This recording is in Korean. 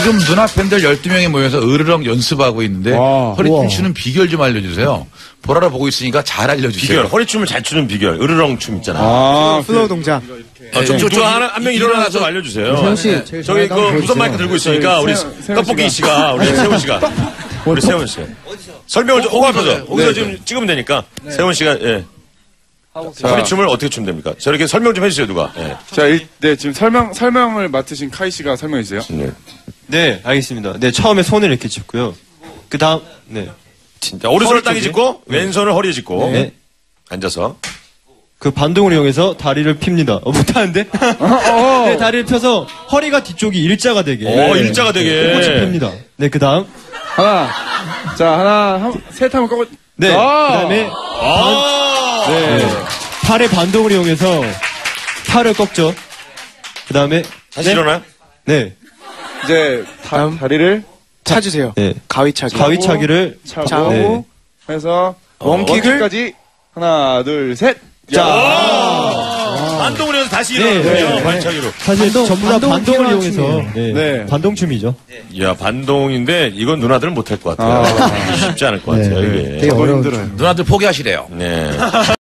지금 누나 팬들 12명이 모여서 으르렁 연습하고 있는데 허리춤 추는 비결 좀 알려주세요. 보라로 보고 있으니까 잘 알려주세요. 비결, 허리춤을 잘 추는 비결, 으르렁 춤 있잖아. 플로우 동작. 한 명 일어나서 알려주세요. 세훈 씨, 저기 그 무선 마이크 들고 있으니까 우리 떡볶이 씨가, 우리 세훈 씨가. 우리 세훈 씨. 설명을 좀, 앞에서. 거기서 지금 찍으면 되니까. 세훈 씨가, 예. 허리춤을 어떻게 추면 됩니까? 저렇게 설명 좀 해주세요, 누가. 예. 자, 지금 설명을 맡으신 카이 씨가 설명해 주세요. 네, 알겠습니다. 네, 처음에 손을 이렇게 짚고요. 그 다음, 네. 진짜. 오른손을 땅에 짚고, 왼손을 허리에 짚고. 네. 앉아서. 그 반동을 이용해서 다리를 핍니다. 못하는데? 네, 다리를 펴서 허리가 뒤쪽이 일자가 되게. 일자가 되게. 꼿꼿이 핍니다. 네, 그 다음. 셋 하면 꺾어. 네, 그 다음에. 네. 팔의 반동을 이용해서 팔을 꺾죠. 그 다음에. 다시 일어나요? 네. 이제 다리를 찾으세요. 네. 가위차기를 차고 네. 해서 원킥까지 하나, 둘, 셋. 반동을 해서 다시 일어나요. 발차기로. 사실 전부 다 반동을 이용해서. 네. 반동춤이죠. 야, 반동인데 이건 누나들은 못할 것 같아요. 쉽지 않을 것 같아요, 이게. 되게 어려운. 누나들 포기하시래요. 네.